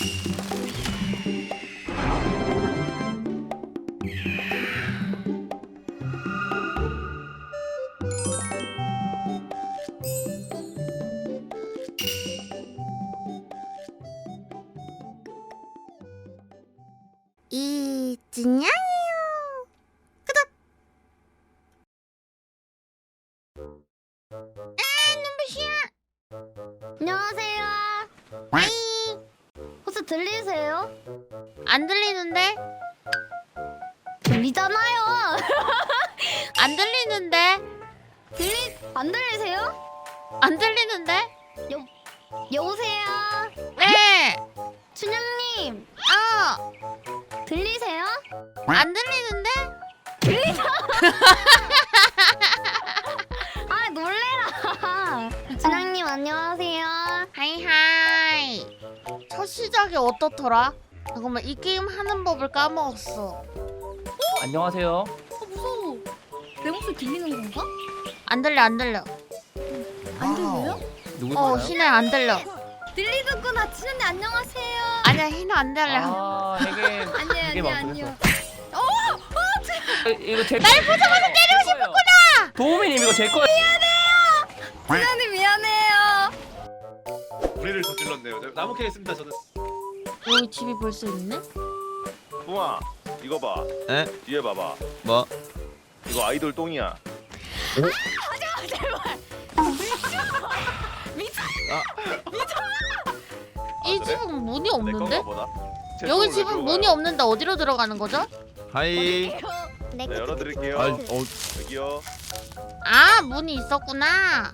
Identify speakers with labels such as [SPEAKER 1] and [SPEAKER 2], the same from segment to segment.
[SPEAKER 1] 이진양이요. 구독. 눈부시야. 안녕하세요. 하이. 혹시 들리세요? 안 들리는데? 들리잖아요. 안 들리는데? 안 들리세요? 안 들리는데? 여보세요. 네. 춘향님. 들리세요? 안 들리는데? 들리죠? 아 놀래라. 춘향님 안녕하세요. 하이하이. 첫 시작이 어떻더라? 잠깐만 이 게임 하는 법을 까먹었어.
[SPEAKER 2] 안녕하세요.
[SPEAKER 3] 무서워. 내 목소리 들리는 건가?
[SPEAKER 1] 안 들려 안 들려.
[SPEAKER 3] 안 들려요?
[SPEAKER 2] 누구세요?
[SPEAKER 1] 희나 안 들려.
[SPEAKER 3] 들리는구나. 진현님 안녕하세요.
[SPEAKER 1] 아니야 희나 안 들려.
[SPEAKER 2] 아, 되게
[SPEAKER 3] 아니요.
[SPEAKER 2] 이거 제
[SPEAKER 1] 날 보자마자 때리고
[SPEAKER 2] 싶었구나. 도우미님 이거 제 거예요.
[SPEAKER 3] 진현님 미안해요.
[SPEAKER 4] 우리를 저질렀네요. 나무 캐겠습니다. 저는.
[SPEAKER 1] 여기 집이 벌써 있네?
[SPEAKER 4] 붕아, 이거 봐.
[SPEAKER 5] 에?
[SPEAKER 4] 뒤에 봐봐.
[SPEAKER 5] 뭐?
[SPEAKER 4] 이거 아이돌 똥이야.
[SPEAKER 1] 이
[SPEAKER 4] 그래?
[SPEAKER 1] 집은 문이
[SPEAKER 4] 내
[SPEAKER 1] 없는데?
[SPEAKER 4] 건가 보다. 제
[SPEAKER 1] 여기
[SPEAKER 4] 손으로
[SPEAKER 1] 집은
[SPEAKER 4] 들어가요.
[SPEAKER 1] 문이 없는데 어디로 들어가는 거죠?
[SPEAKER 5] 하이.
[SPEAKER 4] 네, 열어드릴게요. 여기요.
[SPEAKER 1] 아 문이 있었구나.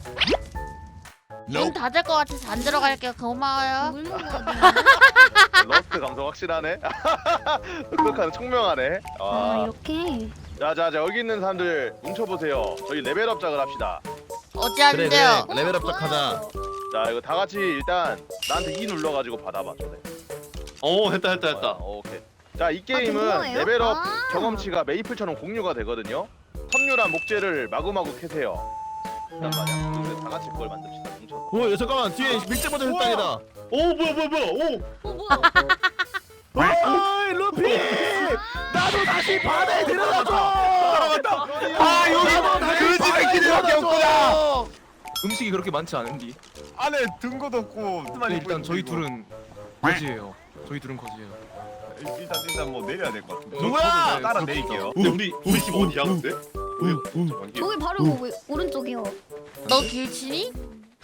[SPEAKER 1] 문 닫을 것 같아서 안 들어갈게요. 고마워요.
[SPEAKER 3] 물 먹어야 돼.
[SPEAKER 4] 러스트 감성 확실하네. 그렇게 청명하네.
[SPEAKER 3] 이렇게.
[SPEAKER 4] 자, 여기 있는 사람들 뭉쳐보세요. 저희 레벨업작을 합시다.
[SPEAKER 1] 어찌
[SPEAKER 5] 그래
[SPEAKER 1] 하는데요?
[SPEAKER 5] 그래. 레벨업작 하자.
[SPEAKER 4] 자, 이거 다 같이 일단 나한테 E 눌러가지고 받아봐. 저래.
[SPEAKER 6] 오 됐다.
[SPEAKER 4] 오케이. 자, 이 게임은
[SPEAKER 3] 그거예요?
[SPEAKER 4] 레벨업
[SPEAKER 3] 아.
[SPEAKER 4] 경험치가 메이플처럼 공유가 되거든요. 섬유란 목재를 마구마구 캐세요. 일단 말이야. 그래서 다 같이 그걸 만듭시다. 뭉쳐서.
[SPEAKER 5] 오, 잠깐만 뒤에 밀재버전
[SPEAKER 4] 우와.
[SPEAKER 5] 땅이다.
[SPEAKER 6] 오 뭐야.
[SPEAKER 3] 뭐야?
[SPEAKER 5] 아이 루피, 나도 다시 바다에 들어가줘.
[SPEAKER 6] 아 여기 그 집에 기대밖에 없구나.
[SPEAKER 7] 음식이 그렇게 많지 않은디.
[SPEAKER 6] 안에 든 것도 없고.
[SPEAKER 7] 근데 일단 저희 둘은 거지예요. 저희 둘은 거지예요.
[SPEAKER 6] 일단 뭐 내려야 될 것 같은데.
[SPEAKER 5] 누구야?
[SPEAKER 6] 저도 따라 내릴게요. 근데 우리 집 어디야 근데?
[SPEAKER 3] 저기 바로 오른쪽이요.
[SPEAKER 1] 너 길치니?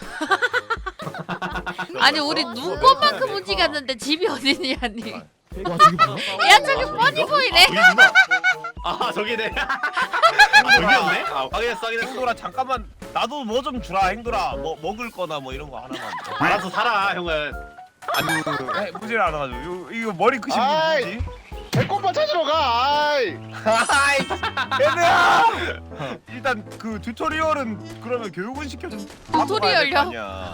[SPEAKER 1] 아니 우리 눈꽃만큼 움직였는데 집이 어디니 아니?
[SPEAKER 5] 와 저기 뭐야?
[SPEAKER 1] 야 저기 뻔히 보이네.
[SPEAKER 6] 아 저기네. 저기였네. 확인했어.
[SPEAKER 8] 행돌아 잠깐만 나도 뭐 좀 주라. 행돌아 뭐 먹을 거나 뭐 이런 거 하나만.
[SPEAKER 6] 알아서 살아 형은.
[SPEAKER 8] 아니 무지를 않아가지고 이거 머리 크신 분
[SPEAKER 4] 아이.
[SPEAKER 8] 누구지?
[SPEAKER 4] 배꼽만 찾으러 가. 아이.
[SPEAKER 8] 아이 얘들아. 일단 그 튜토리얼은 그러면 교육은 시켜줘.
[SPEAKER 1] 튜토리얼요?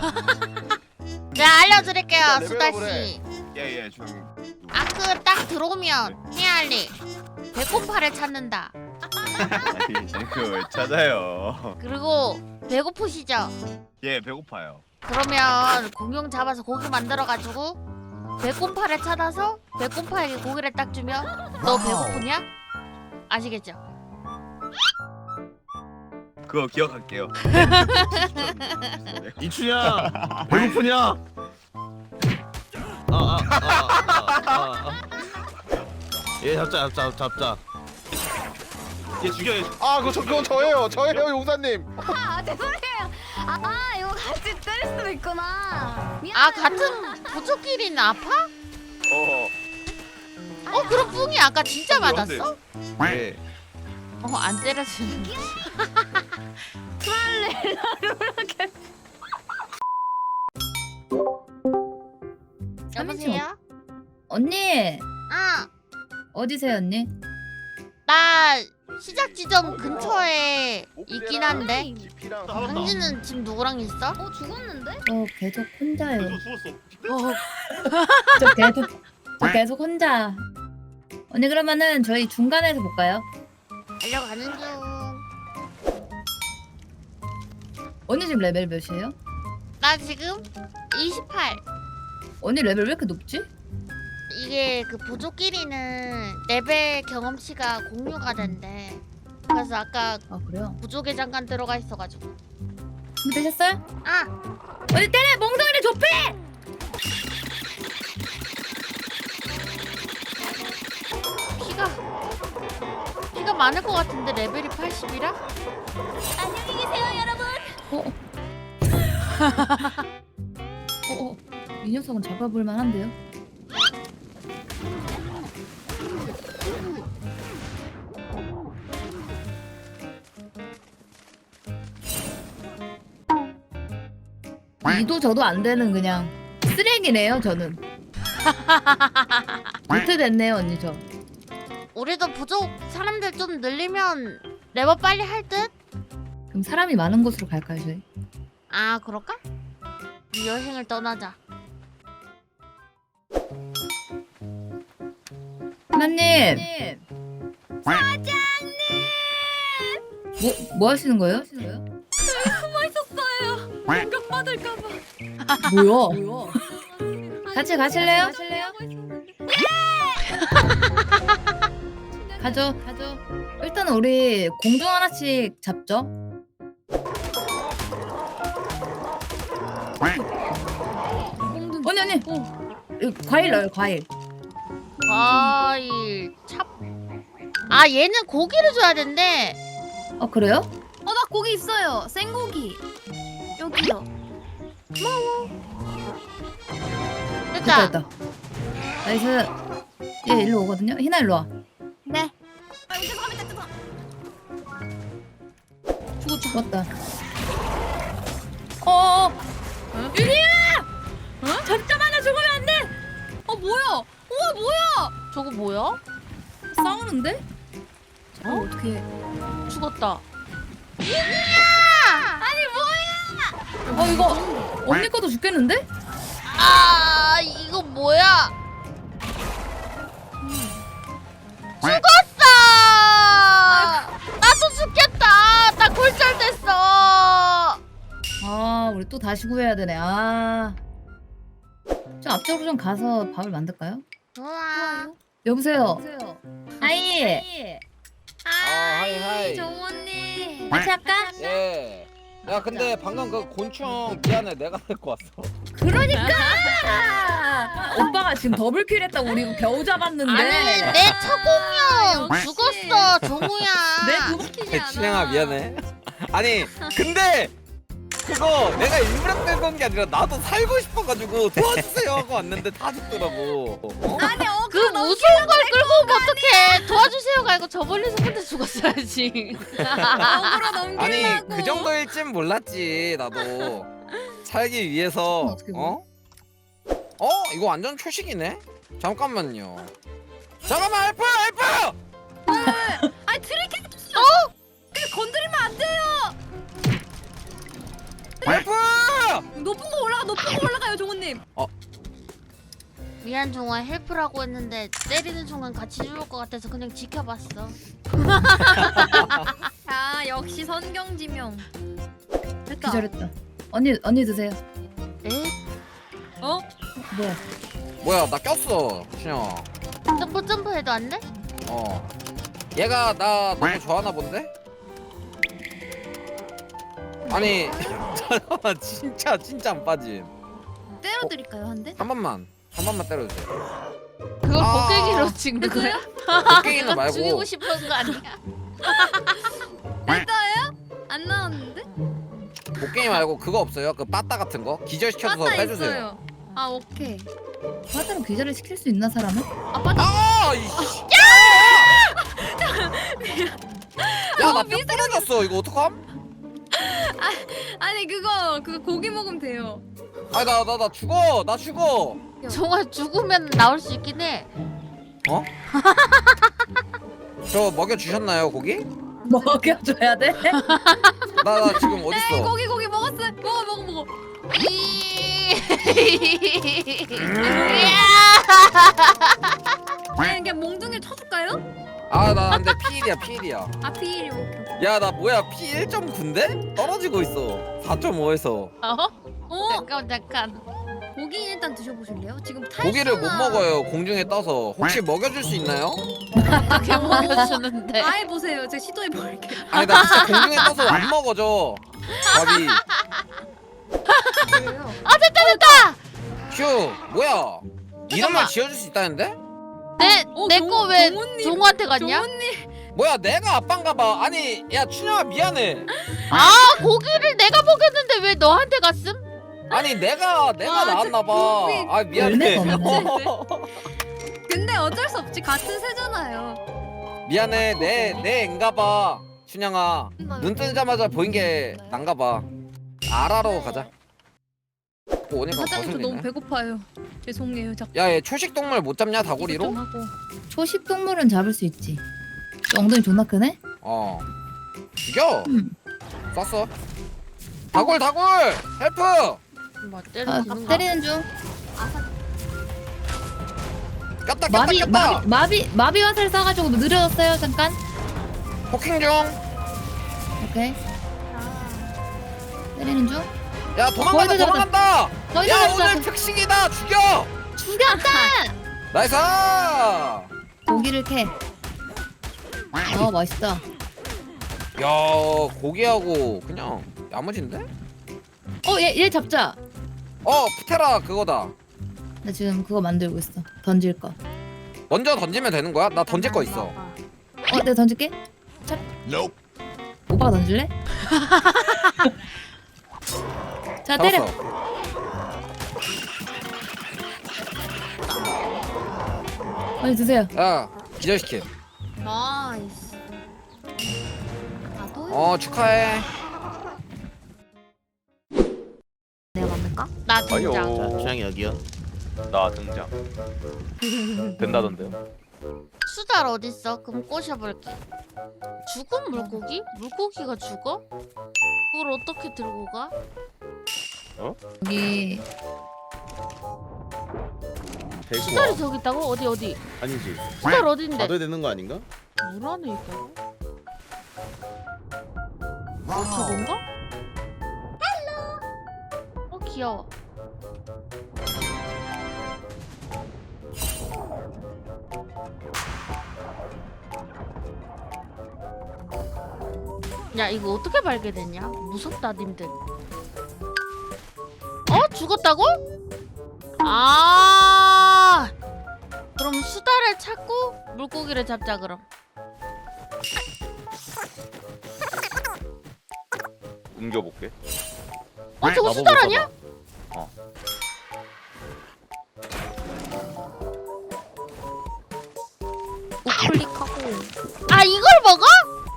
[SPEAKER 1] 네 알려드릴게요
[SPEAKER 4] 일단
[SPEAKER 1] 수다
[SPEAKER 4] 레벨업을
[SPEAKER 1] 씨.
[SPEAKER 8] 예예 좀.
[SPEAKER 1] 아크 딱 들어오면 해야 할 일. 배꼽파를 찾는다.
[SPEAKER 8] 그 찾아요.
[SPEAKER 1] 그리고 배고프시죠?
[SPEAKER 8] 예 배고파요.
[SPEAKER 1] 그러면 공룡 잡아서 고기 만들어가지고 배꼽파를 찾아서 배꼽파에게 고기를 딱 주면 너 배고프냐? 아시겠죠?
[SPEAKER 8] 그거 기억할게요.
[SPEAKER 5] 이춘야 배고프냐? 얘 잡자.
[SPEAKER 6] 얘 죽여.
[SPEAKER 4] 아, 그건 저예요. 용사님.
[SPEAKER 3] 죄송해요. 이거 같이 때릴 수도 있구나.
[SPEAKER 1] 아 같은 부족끼리는 아파? 그럼 뿡이 아까 진짜 맞았어?
[SPEAKER 5] 네.
[SPEAKER 1] 안 때려주는 거지. 여보세요?
[SPEAKER 9] 언니
[SPEAKER 1] 아,
[SPEAKER 9] 어디세요 언니?
[SPEAKER 1] 나 시작 지점 근처에 있긴 한데
[SPEAKER 4] 지피랑
[SPEAKER 1] 당신은 지금 누구랑 있어?
[SPEAKER 3] 죽었는데?
[SPEAKER 9] 저 계속 혼자예요.
[SPEAKER 6] 죽었어.
[SPEAKER 9] 저 계속 혼자. 언니 그러면은 저희 중간에서 볼까요?
[SPEAKER 1] 달려가는 중.
[SPEAKER 9] 언니 지금 레벨 몇이에요?
[SPEAKER 1] 나 지금 28.
[SPEAKER 9] 언니 레벨 왜 이렇게 높지?
[SPEAKER 1] 이게 그 부족끼리는 레벨 경험치가 공유가 된대. 그래서 아까
[SPEAKER 9] 아 그래요?
[SPEAKER 1] 부족에 잠깐 들어가 있어가지고.
[SPEAKER 9] 준비되셨어요?
[SPEAKER 1] 아!
[SPEAKER 9] 언니 때려! 몽둥이를 좁혀!
[SPEAKER 1] 피가 많을 것 같은데 레벨이 80이라?
[SPEAKER 3] 안녕히 계세요 여러분.
[SPEAKER 9] 이 녀석은 잡아볼 만한데요? 이도 저도 안 되는 그냥 쓰레기네요 저는. 못해 됐네요 언니 저.
[SPEAKER 1] 우리도 부족 사람들 좀 늘리면 레버 빨리 할 듯?
[SPEAKER 9] 그럼 사람이 많은 곳으로 갈까요 저희?
[SPEAKER 1] 아 그럴까? 이 여행을 떠나자.
[SPEAKER 9] 하나님. 사장님. 뭐 하시는 거예요?
[SPEAKER 3] 깜 받을까봐.
[SPEAKER 9] 뭐야? 같이 가실래요? 가죠. 일단은 우리 공중 하나씩 잡죠. 언니. 이거 과일 넣어요 과일.
[SPEAKER 1] 과일 찹. 아 얘는 고기를 줘야 된대.
[SPEAKER 9] 그래요?
[SPEAKER 3] 나 고기 있어요. 생고기. 여기요.
[SPEAKER 1] 됐다.
[SPEAKER 9] 됐다. 나이스. 얘 일로 오거든요. 희나 일로 와.
[SPEAKER 3] 네.
[SPEAKER 9] 죽었다. 유리야! 잠깐만요 죽으면 안 돼.
[SPEAKER 3] 뭐야? 우와 뭐야?
[SPEAKER 1] 저거 뭐야?
[SPEAKER 9] 싸우는데? 어떻게?
[SPEAKER 1] 죽었다.
[SPEAKER 9] 이거 언니 것도 죽겠는데?
[SPEAKER 1] 아 이거 뭐야? 죽었어! 나도 죽겠다. 나 골절됐어.
[SPEAKER 9] 우리 또 다시 구해야 되네. 좀 앞쪽으로 좀 가서 밥을 만들까요?
[SPEAKER 1] 좋아.
[SPEAKER 9] 여보세요. 하이.
[SPEAKER 8] 하이.
[SPEAKER 3] 정원님.
[SPEAKER 9] 같이 할까?
[SPEAKER 8] 예. 야 근데 방금 그 곤충 미안해 내가 데리고 왔어.
[SPEAKER 9] 그러니까. 오빠가 지금 더블킬 했다고 우리 이거 겨우 잡았는데.
[SPEAKER 1] 아니 내 처공룡 죽었어 종우야.
[SPEAKER 3] 웃기지
[SPEAKER 8] 진행아 미안해. 아니 근데 그거 내가 일부러 끌고 온 게 아니라 나도 살고 싶어가지고 도와주세요 하고 왔는데 다 죽더라고.
[SPEAKER 3] 아니
[SPEAKER 1] 그 무서운 걸 끌고 오면 어떡해. 도와주세요가 아니고 저 멀리서 혼자 죽었어야지.
[SPEAKER 3] 어그로 넘기려고.
[SPEAKER 8] 아니 그 정도일 줄 몰랐지 나도. 살기 위해서
[SPEAKER 9] 어떻게 보여?
[SPEAKER 8] 이거 완전 초식이네. 잠깐만요. 잠깐만 헬프.
[SPEAKER 3] 아니 트리켓. 건드리면 안 돼요.
[SPEAKER 8] 헬프.
[SPEAKER 3] 높은 거 올라가요 종원님.
[SPEAKER 1] 미안 종아 헬프라고 했는데 때리는 순간 같이 죽을 것 같아서 그냥 지켜봤어.
[SPEAKER 3] 역시 선경지명. 됐다.
[SPEAKER 9] 기절했다. 언니 드세요.
[SPEAKER 1] 에?
[SPEAKER 9] 뭐야?
[SPEAKER 8] 뭐야 나 꼈어 신영아.
[SPEAKER 1] 점프 해도 안 돼?
[SPEAKER 8] 얘가 나 너무 좋아하나 본데? 아니 잠깐만 진짜 안 빠짐.
[SPEAKER 3] 때려드릴까요 한 대?
[SPEAKER 8] 한 번만 때려주세요.
[SPEAKER 1] 그걸
[SPEAKER 8] 아.
[SPEAKER 1] 곡괭이로 찍는 거야?
[SPEAKER 8] 곡괭이는
[SPEAKER 1] 이건
[SPEAKER 8] 말고
[SPEAKER 1] 죽이고 싶은 거 아니야?
[SPEAKER 3] 됐어요? 안 나왔는데?
[SPEAKER 8] 곡괭이 말고 그거 없어요? 그 빠따 같은 거 기절시켜서
[SPEAKER 3] 빠따
[SPEAKER 8] 빼주세요.
[SPEAKER 3] 있어요. 오케이.
[SPEAKER 9] 화자로 기절을 시킬 수 있나 사람은?
[SPEAKER 8] 이씨. 야나 뼈 부러졌어 이거 어떡함?
[SPEAKER 3] 아니 그거 고기 먹으면 돼요.
[SPEAKER 8] 아니 나 죽어.
[SPEAKER 1] 종아 죽으면 나올 수 있긴 해.
[SPEAKER 8] 저 먹여주셨나요 고기?
[SPEAKER 9] 먹여줘야 돼?
[SPEAKER 8] 나 지금 어딨어?
[SPEAKER 3] 고기 먹었어요. 먹어. 아니 그냥 몽둥이를 쳐줄까요?
[SPEAKER 8] 나 근데 피일이야.
[SPEAKER 3] 피일이 오케이.
[SPEAKER 8] 야 나 뭐야 피 1.9인데? 떨어지고 있어 4.5에서.
[SPEAKER 1] 잠깐.
[SPEAKER 3] 고기 일단 드셔보실래요? 지금
[SPEAKER 8] 고기를 못 먹어요. 공중에 떠서. 혹시 먹여줄 수 있나요?
[SPEAKER 1] 어떻게 먹여주는데?
[SPEAKER 3] 아예 보세요. 제가 시도해 볼게요.
[SPEAKER 8] 아니 나 진짜 공중에 떠서 안 먹어져. 밥이.
[SPEAKER 1] 아 됐다.
[SPEAKER 8] 휴 뭐야? 이름만 지어줄 수 있다는데?
[SPEAKER 1] 내 거 왜
[SPEAKER 3] 종훈님,
[SPEAKER 1] 종우한테 갔냐?
[SPEAKER 3] 종훈님.
[SPEAKER 8] 뭐야 내가 아빠인가봐. 아니 야 춘영아 미안해.
[SPEAKER 1] 아 고기를 내가 먹였는데 왜 너한테 갔음?
[SPEAKER 8] 아니 내가
[SPEAKER 3] 아,
[SPEAKER 8] 나왔나봐.
[SPEAKER 3] 고기.
[SPEAKER 8] 아 미안해.
[SPEAKER 9] 열매가 없네.
[SPEAKER 3] 근데 어쩔 수 없지. 같은 새잖아요.
[SPEAKER 8] 미안해 내 앤가봐. 춘영아 눈 뜨자마자 보인 게 난가봐. 알아러 가자. 또 오니까
[SPEAKER 3] 사장님 저 너무
[SPEAKER 8] 거슬리네.
[SPEAKER 3] 배고파요. 죄송해요. 자꾸
[SPEAKER 8] 야얘 초식 동물 못 잡냐 다구리로?
[SPEAKER 3] 좀 하고.
[SPEAKER 9] 초식 동물은 잡을 수 있지. 엉덩이 존나 크네?
[SPEAKER 8] 어 죽여.
[SPEAKER 9] 음.
[SPEAKER 8] 쐈어. 다굴 헬프.
[SPEAKER 1] 뭐
[SPEAKER 9] 아,
[SPEAKER 1] 때리는
[SPEAKER 9] 때리는 중.
[SPEAKER 8] 꼈다
[SPEAKER 9] 마비 화살 쏴가지고 느려졌어요 잠깐.
[SPEAKER 8] 포킹 중.
[SPEAKER 9] 오케이. 때리는 중.
[SPEAKER 8] 야 도망간다
[SPEAKER 9] 거의 다
[SPEAKER 8] 도망간다.
[SPEAKER 9] 거의
[SPEAKER 8] 야
[SPEAKER 9] 다
[SPEAKER 8] 오늘
[SPEAKER 9] 잡았어.
[SPEAKER 8] 특식이다 죽여.
[SPEAKER 9] 죽였다.
[SPEAKER 8] 나이스.
[SPEAKER 9] 고기를 캐. 맛있다.
[SPEAKER 8] 야 고기하고 그냥 야무진데?
[SPEAKER 9] 얘 잡자.
[SPEAKER 8] 푸테라 그거다.
[SPEAKER 9] 나 지금 그거 만들고 있어. 던질 거.
[SPEAKER 8] 먼저 던지면 되는 거야? 나 던질 거 있어.
[SPEAKER 9] 내가 던질게. 찹. 오빠가 던질래? 자 때려.
[SPEAKER 8] 잡았어.
[SPEAKER 9] 빨리 드세요.
[SPEAKER 8] 야 기절시켜.
[SPEAKER 3] 나이스. 나도.
[SPEAKER 8] 축하해.
[SPEAKER 3] 내가 만들까?
[SPEAKER 1] 나 등장.
[SPEAKER 4] 아유
[SPEAKER 6] 취향이 여기요.
[SPEAKER 4] 나 등장. 된다던데요.
[SPEAKER 1] 수달 어딨어? 그럼 꼬셔볼게. 죽은 물고기? 물고기가 죽어? 그걸 어떻게 들고 가?
[SPEAKER 9] 여기
[SPEAKER 1] 수달이 저기 있다고? 어디?
[SPEAKER 5] 아니지.
[SPEAKER 1] 수달 어딘데?
[SPEAKER 5] 받아야 되는 거 아닌가?
[SPEAKER 1] 물 안에 있다고? 저건가? 귀여워. 야 이거 어떻게 발견했냐? 무섭다 님들. 죽었다고? 아 그럼 수달을 찾고 물고기를 잡자 그럼.
[SPEAKER 4] 옮겨볼게.
[SPEAKER 1] 저거 수달 아니야?
[SPEAKER 3] 우클릭하고.
[SPEAKER 1] 아 이걸 먹어?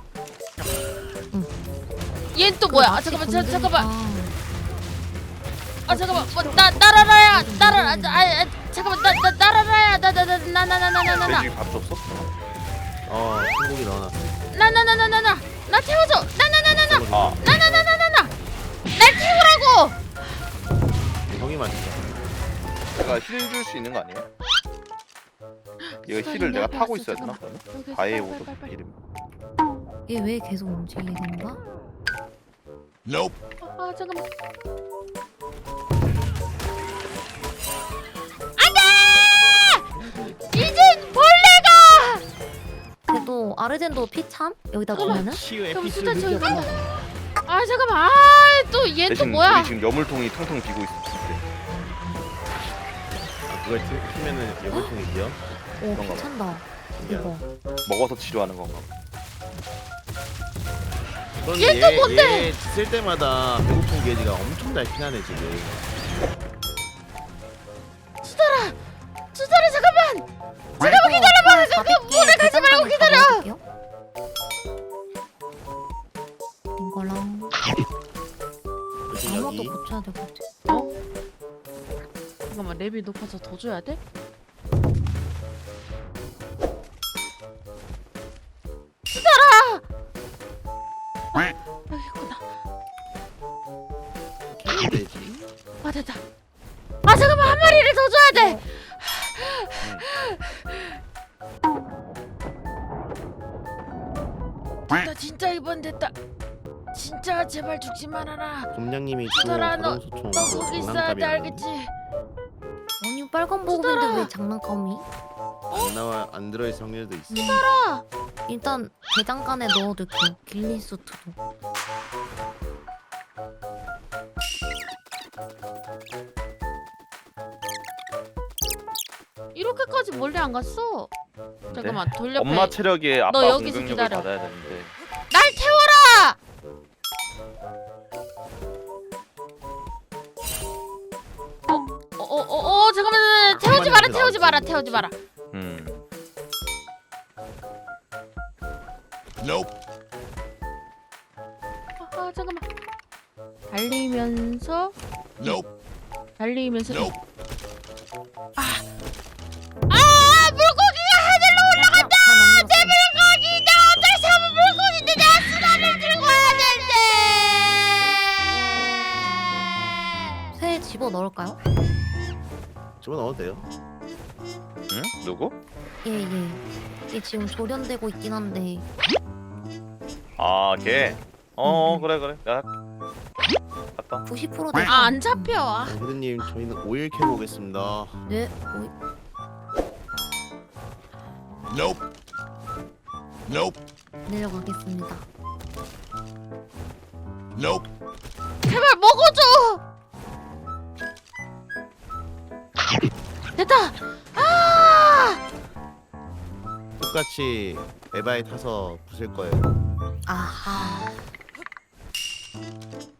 [SPEAKER 1] 얘는 또 뭐야? 잠깐만. 잠깐만. 나라라야. 잠깐만. 나라라야. 나나나나나나나.
[SPEAKER 4] 돼지 밥 줬어?
[SPEAKER 6] 소고기 넣어놨어.
[SPEAKER 1] 나나나나나나. 나 태워줘. 나나나나나.
[SPEAKER 4] 아
[SPEAKER 1] 나나나나나나. 날 태우라고.
[SPEAKER 6] 형이 맛있어.
[SPEAKER 4] 내가 힐 줄 수 있는 거 아니에요? 이거 힐을 내가 타고 있어야 되나? 그러면? 바에 오도 이름.
[SPEAKER 3] 얘 왜 계속 움직이는 건가?
[SPEAKER 1] 아 잠깐만. 안돼! 이젠 벌레가.
[SPEAKER 3] 그래도 아르젠도 피참? 여기다 놓으면은?
[SPEAKER 1] 그럼 수달 저기 간다. 아 잠깐만. 또 얘 또
[SPEAKER 4] 대신
[SPEAKER 1] 뭐야?
[SPEAKER 4] 우리 지금 여물통이 텅텅 비고 있을 때.
[SPEAKER 6] 그걸 치면은 예물통이 비어?
[SPEAKER 3] 오
[SPEAKER 4] 그런가 봐.
[SPEAKER 3] 괜찮다. 이거.
[SPEAKER 4] 먹어서 치료하는 건가 봐.
[SPEAKER 1] 얘 또 뭔데?
[SPEAKER 6] 얘 쓸 때마다 배고픈 게지가 엄청 잘 피나네 지금.
[SPEAKER 1] 수달아 잠깐만. 잠깐만 기다려봐. 그 물에 가지 말고 기다려.
[SPEAKER 3] 이거랑 아무것도
[SPEAKER 6] 여기.
[SPEAKER 3] 고쳐야 될 것 같아.
[SPEAKER 1] 잠깐만 랩이 높아서 더 줘야 돼? 수달아! 여기 있구나.
[SPEAKER 6] 되지.
[SPEAKER 1] 아 됐다. 아 잠깐만 한 마리를 더 줘야 돼. 됐다 진짜 이번 됐다. 진짜 제발 죽지 말아라.
[SPEAKER 6] 곰냥님이
[SPEAKER 1] 수달아,
[SPEAKER 6] 또 소총
[SPEAKER 1] 너 거기 있어야 돼 알겠지?
[SPEAKER 3] 빨간 보급인데 왜 장난감이?
[SPEAKER 6] 안 들어있을 확률도 있어.
[SPEAKER 3] 일단 대장간에 넣어둘게요. 길리수트도.
[SPEAKER 1] 이렇게까지 멀리 안 갔어. 잠깐만 돌려.
[SPEAKER 4] 엄마 체력에 아빠
[SPEAKER 1] 너 여기서
[SPEAKER 4] 공격력을
[SPEAKER 1] 기다려.
[SPEAKER 4] 받아야 되는데.
[SPEAKER 1] 날 태워라. 잠깐만 태우지 마라 태우지 마라 태우지 마라. 잠깐만. 달리면서. 달리면서. 물고기가 하늘로 올라간다. 내 물고기 내가 어쩔 수 없는 물고기인데 내가 수단을 들고 와야 되는데.
[SPEAKER 3] 새 집어 넣을까요?
[SPEAKER 6] 집어넣어도 돼요.
[SPEAKER 4] 응? 누구?
[SPEAKER 3] 예. 이게 지금 조련되고 있긴 한데.
[SPEAKER 4] 아, 걔. 그래. 야, 갔다.
[SPEAKER 3] 90% 됐어.
[SPEAKER 1] 안 잡혀.
[SPEAKER 6] 헤드님 저희는 오일 캐보겠습니다.
[SPEAKER 3] 네. 내려가겠습니다.
[SPEAKER 1] 제발 먹어줘. 됐다.
[SPEAKER 6] 똑같이 에바에 타서 부술 거예요.
[SPEAKER 3] 아하.